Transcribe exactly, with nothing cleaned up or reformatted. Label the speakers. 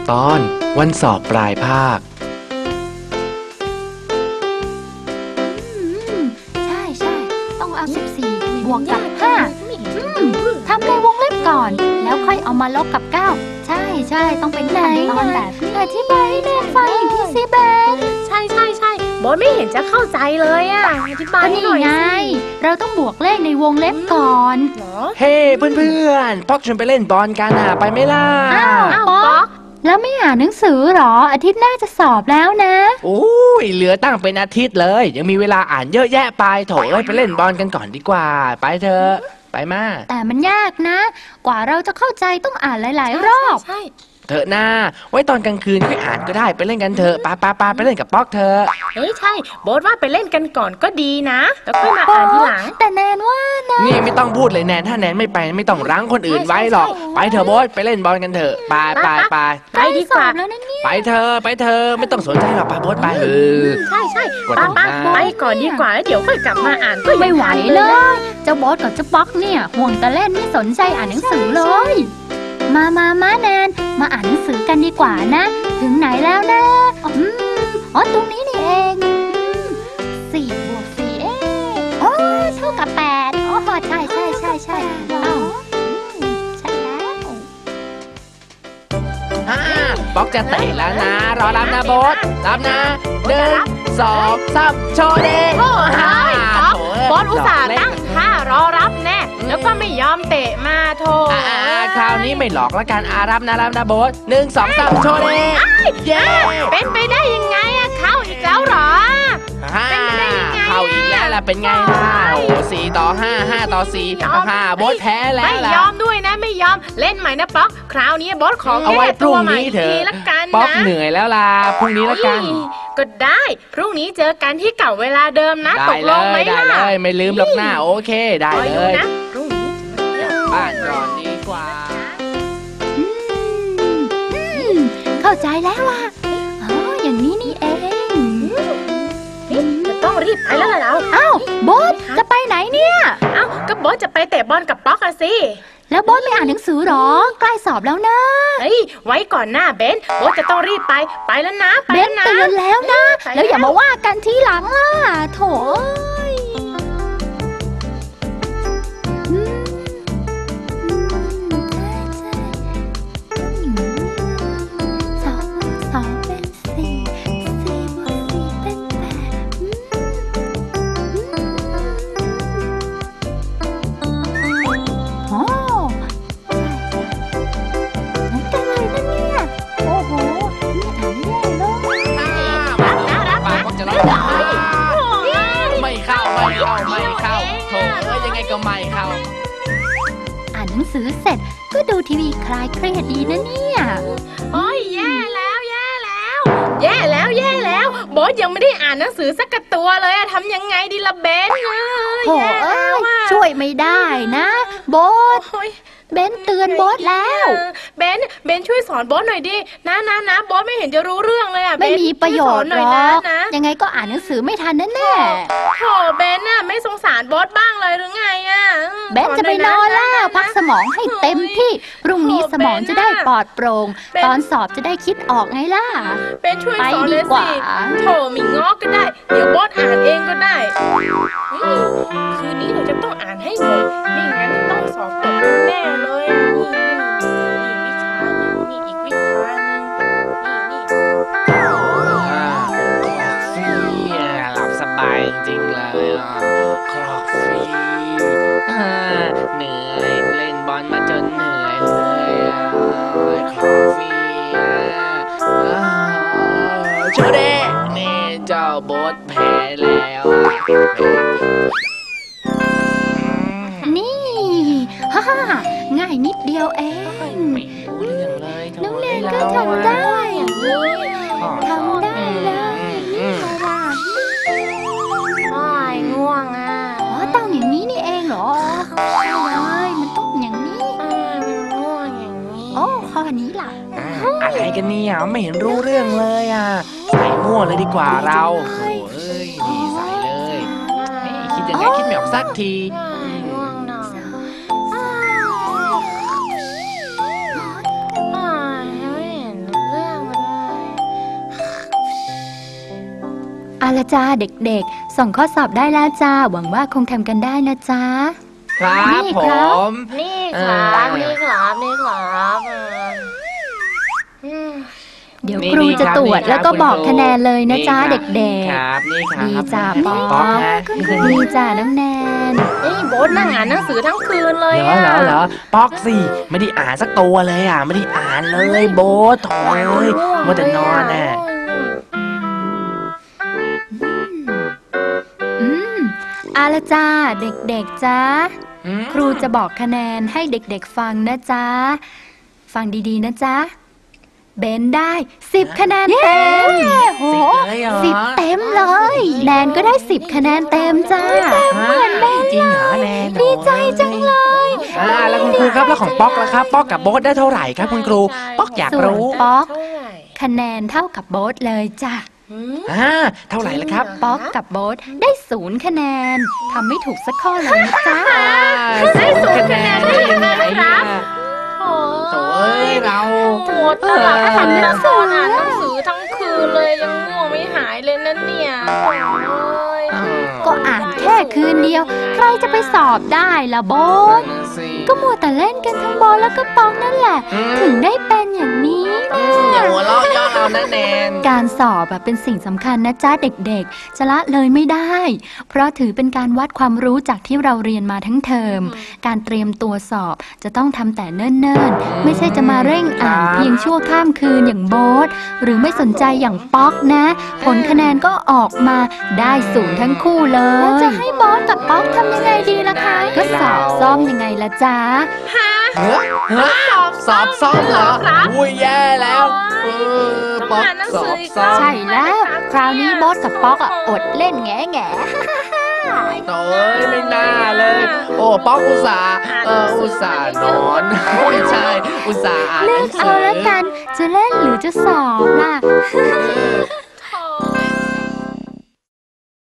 Speaker 1: ตอนวันสอบปลายภาค
Speaker 2: ใช่ใช่ต้องเอาสิบสี่บวกกับห้าทำในวงเล็บก่อนแล้วค่อยเอามาลบกับเก้าใช่ใช่ต้องเป็นขั้นตอนแบบนี้อธิบายให้แม่ฟังอีกทีสิเบน
Speaker 3: ใช่ใช่ใช่บอสไม่เห็นจะเข้าใจเลยอ่ะอธิบายให้หน่อยสิ
Speaker 2: เราต้องบวกเลขในวงเล็บก่อน
Speaker 1: เฮ้เพื่อนๆป๊อกชวนไปเล่นบอลกันอ่ะไปไหมล่ะ
Speaker 2: อ้าวป๊อกแล้วไม่อ่านหนังสือหรออาทิตย์หน้าจะสอบแล้วนะ
Speaker 1: โอ้ยเหลือตั้งเป็นอาทิตย์เลยยังมีเวลาอ่านเยอะแยะไปโถเอ้ยไปเล่นบอลกันก่อนดีกว่าไปเถอะไปมา
Speaker 2: แต่มันยากนะกว่าเราจะเข้าใจต้องอ่านหลายๆรอบ
Speaker 3: ใช่
Speaker 1: เถอะหน้าไว้ตอนกลางคืนค่อยอ่านก็ได้ไปเล่นกันเถอะปาปาปาไปเล่นกับป๊อกเถอะ
Speaker 3: เฮ้ยใช่โบ๊ทว่าไปเล่นกันก่อนก็ดีนะแล้วค่อยมาอ่านทีหลัง
Speaker 2: แต่แนนว่านะ
Speaker 1: นี่ไม่ต้องพูดเลยแนนถ้าแนนไม่ไปไม่ต้องรั้งคนอื่นไว้หรอกไปเถอะโบ๊ทไปเล่นบอลกันเถอะไปไปไป
Speaker 3: ไปดีกว่า
Speaker 1: ไปเถอะไปเถอะไม่ต้องสนใจหรอกไปโบ๊ทไปเออ
Speaker 3: ใช่ใช่ป้าป้าไปก่อนดีกว่าแล้วเดี๋ยวค่อยกลับมาอ่านก็
Speaker 2: ไม่ไหวเลยเจ้าโบ๊ทกับเจ้าป๊อกเนี่ยห่วงแต่เล่นไม่สนใจอ่านหนังสือเลยมามามาแนนมาอ่านหนังสือกันดีกว่านะถึงไหนแล้วนะอืมอ๋อตรงนี้นี่เองสี่บวกสี่เอ๊ะโอ้เท่ากับแปดอ๋อใช่ใช่ใช่ใช่อ้าวใช่แล้ว
Speaker 1: ฮ่าป๊อกจะเตะแล้วนะรอรับนะโบ๊ทรับนะหนึ่งสองสามโชว์เด้
Speaker 3: โอ้โหบอสอุตส่าห์ตั้งท่ารอรับแน่แล้วก็ไม่ยอมเตะมาโธ่
Speaker 1: คราวนี้ไม่หลอกละกันอารับนะรับนะโบ๊ทหนึ่งสองสามโชว์เด้
Speaker 3: เย้เป็นไปได้ยังไงอะเข้าอีกแล้วหรอ
Speaker 1: เป็นไปได้ยังไงเข้าอีกแล้วล่ะเป็นไงล่ะโอ้สี่ต่อห้าห้าต่อสี่ห้าโบ๊ทแพ้แล้ว
Speaker 3: ไม่ยอมด้วยนะไม่ยอมเล่นใหม่นะป๊อกคราวนี้โบ๊ทของ
Speaker 1: เอาไว้พรุ่งนี้เถอะป๊อกเหนื่อยแล้วล่ะพรุ่งนี้ละกัน
Speaker 3: ก็ได้พรุ่งนี้เจอกันที่เก่าเวลาเดิมนะตกลงไหมล่ะ
Speaker 1: ได้เลยไม่ลืมหรอกหน้าโอเคได้เลย
Speaker 3: นะพรุ่งนี้
Speaker 1: กลับบ้านก่อนดีกว่า
Speaker 2: เข้าใจแล้วล่ะอ๋ออย่างนี้นี่เอง
Speaker 3: จะต้องรีบไปแล้วล่ะเรา
Speaker 2: อ้าวโบ๊ทจะไปไหนเนี่ย
Speaker 3: อ้าวก็โบ๊ทจะไปเตะบอลกับป๊อกอะสิ
Speaker 2: แล้วโบ๊ทไม่อ่านหนังสือหรอใกล้สอบแล้วนะ
Speaker 3: เฮ้ยไว้ก่อนหน้าเบนโบ๊ทจะต้องรีบไปไปแล้วนะ
Speaker 2: เบนเตือนแล้วนะแล้วอย่ามาว่ากันทีหลังล่ะโถ
Speaker 1: ไม่เข้า
Speaker 2: อ่านหนังสือเสร็จก็ดูทีวีคลายเครียดดีนะเนี่ย
Speaker 3: โอ้ยแย่แล้วแย่แล้วแย่แล้วแย่แล้วโบ๊ทยังไม่ได้อ่านหนังสือสักตัวเลยอะทำยังไงดีล่ะเบน
Speaker 2: โอ้เอ้ยช่วยไม่ได้นะโบ๊ทเบนเตือนโบ๊ทแล้ว
Speaker 3: เบนเบนช่วยสอนโบ๊ทหน่อยดินะนะนะโบ๊ทไม่เห็นจะรู้เรื่องเลยอะ
Speaker 2: ไม่มีประโยชน์หรอกยังไงก็อ่านหนังสือไม่ทันแน่
Speaker 3: ๆโธ่เบนน่ะไม่สงสารโบ๊ทบ้างเลยหรือไงอะ
Speaker 2: เบนจะไปนอนแล้วพักสมองให้เต็มที่พรุ่งนี้สมองจะได้ปลอดโปร่งตอนสอบจะได้คิดออกไงล่ะ
Speaker 3: เบนช่วยสอนเลยสิโธ่มีง้อก็ได้เดี๋ยวโบ๊ทอ่านเองก็ได้คืนนี้หนูจะต้องอ่านให้หมดไม่งั้นต้องสอบตกแน่เลยนี่อีกวิชาหนึ่งนี่อีกวิชาหนึ่งนี่นี่
Speaker 1: หลับสบายจริงเลยคลอกฟรีเหนื่อยเล่นบอลมาจนเหนื่อยเลยคลอกฟรีโชเด้นี่เจ้าโบ๊ทแพ้แล้ว
Speaker 2: นี่ฮ่าง่ายนิดเดียวเอง
Speaker 1: ไม่รู้เรื่องเลย
Speaker 2: น้องแนนก็ทำได้ทำได้เลยฉลาด
Speaker 3: อ้ายง่วงอ่ะ
Speaker 2: อ๋อต้องอย่างนี้นี่เองเหรอใช่เลยมันต้องอย่างนี้
Speaker 3: ง่วงอย่างนี้
Speaker 2: โอ้ข้อนี้ล่ะ
Speaker 1: อะไรกันเนี่ยไม่เห็นรู้เรื่องเลยอ่ะใส่มั่วเลยดีกว่าเราโอ้เอ้ยดีใส่เลยคิดยังไงคิดไม่ออกสักที
Speaker 3: เ
Speaker 2: เอาละจ้าเด็กๆ ส่งข้อสอบได้แล้วจ้า หวังว่าคงทำกันได้นะจ๊ะ
Speaker 1: ครับ
Speaker 2: นี่
Speaker 1: ผ
Speaker 2: ครับ
Speaker 1: ม
Speaker 3: นี่ครับนี่ครับนี่ครับอืม
Speaker 2: เดี๋ยว
Speaker 1: นี่
Speaker 2: ครูจะ
Speaker 1: ครับ
Speaker 2: ตรวจ
Speaker 1: นี่ครับ
Speaker 2: แล้วก็บอก
Speaker 1: คุณครู
Speaker 2: คะแนนเลยนะจ๊ะ
Speaker 1: นี่
Speaker 2: เด็
Speaker 1: ค
Speaker 2: ก
Speaker 1: รับนี่ครับ
Speaker 2: ดีจ้ะ
Speaker 1: น้อง
Speaker 2: ป๊อก
Speaker 1: นะ
Speaker 2: ๆดีจ้าน้องแนน
Speaker 3: นี่โบ๊ทนั่งอ่านหนังสือทั้งคืนเลย
Speaker 1: เหรอ
Speaker 3: อะ
Speaker 1: เหรอเหรอป๊อกสิไม่ได้อ่านสักตัวเลยอ่ะไม่ได้อ่านเลยโบ๊ทโถ่เอ้ยมัวแต่นอนน่ะ
Speaker 2: อืมเอาละจ้าเด็กๆจ้า
Speaker 1: อืม
Speaker 2: ครูจะบอกคะแนนให้เด็กๆฟังนะจ๊ะ ฟังดีๆนะจ๊ะ เบนได้สิบคะแนนเต็ม
Speaker 1: สิบเลยเหรอ
Speaker 2: สิบเต็มเลย แนนก็ได้สิบคะแนนเต็มจ้า
Speaker 1: เหมือนเบนจริงเหรอแนน
Speaker 2: ดีใจจังเลย
Speaker 1: อ่าแล้วคุณครูครับแล้วของป๊อกล่ะครับป๊อกกับโบ๊ทได้เท่าไหร่ครับคุณครูป๊อกอยาก
Speaker 2: ส่วน
Speaker 1: รู้
Speaker 2: ป๊อก
Speaker 3: เท่าไหร่
Speaker 2: คะแนนเท่ากับโบ๊ทเลยจ้ะ
Speaker 3: หืม
Speaker 1: อ่าเท่าไหร่ละครับ
Speaker 2: ป๊อกกับโบ๊ทได้ศูนย์คะแนนทำไม่ถูกสักข้อเลยนะจ๊ะ
Speaker 1: ได้ศูนย์คะแนนได้ยังไงเนี่ย
Speaker 3: โอ้
Speaker 1: โถ่เอ้ยเรา
Speaker 3: โหดตลอดอ่านหนังสืออ่านหนังสือทั้งคืนเลยยังง่วงไม่หายเลยนั่นเนี่ยโอ้ย
Speaker 2: ก็อ่านแค่คืนเดียว ใครจะไปสอบได้ล่ะโบ๊ท
Speaker 1: นั่นน่ะสิ
Speaker 2: ก็มัวแต่เล่นกันทั้งโบ๊ทแล้วก็ป๊อกนั่นแหละ
Speaker 1: อืม
Speaker 2: ถึงได้เป็นอย่างนี้
Speaker 1: อย่าหัวเราะย่อเรานะแนน
Speaker 2: การสอบอะเป็นสิ่งสำคัญนะจ๊ะเด็กๆ จะละเลยไม่ได้ เพราะถือเป็นการวัดความรู้จากที่เราเรียนมาทั้งเทอม การเตรียมตัวสอบจะต้องทำแต่เนิ่นๆ ไม่ใช่จะมาเร่งอ่านเพียงชั่วข้ามคืนอย่างโบ๊ทหรือไม่สนใจอย่างป๊อกนะ ผลคะแนนก็ออกมาได้ศูนย์ทั้งคู่เลย แล้วจะให้โบ๊ทกับป๊อกทำยังไงดีล่ะคะ ก็สอบซ่อมยังไงล่ะจ๊ะ
Speaker 1: เฮ้ยเฮ้ยสอบซ่อมเหรออุ้ยแย่แล้วเออป๊อกสอบซ่อม
Speaker 2: ใช่แล้ว คราวนี้โบ๊ทกับป๊อกอะอดเล่นแง่แง่
Speaker 1: โถ่เอ้ยไม่น่าเลย โอ้ป๊อกอุตส่าห์เอออุตส่าห์นอนไม่ใช่อุตส่าห์อ่านห
Speaker 2: เลื
Speaker 1: นั
Speaker 2: อก
Speaker 1: งสื
Speaker 2: เอาแล้วกัน จะเล่นหรือจะสอบล่ะ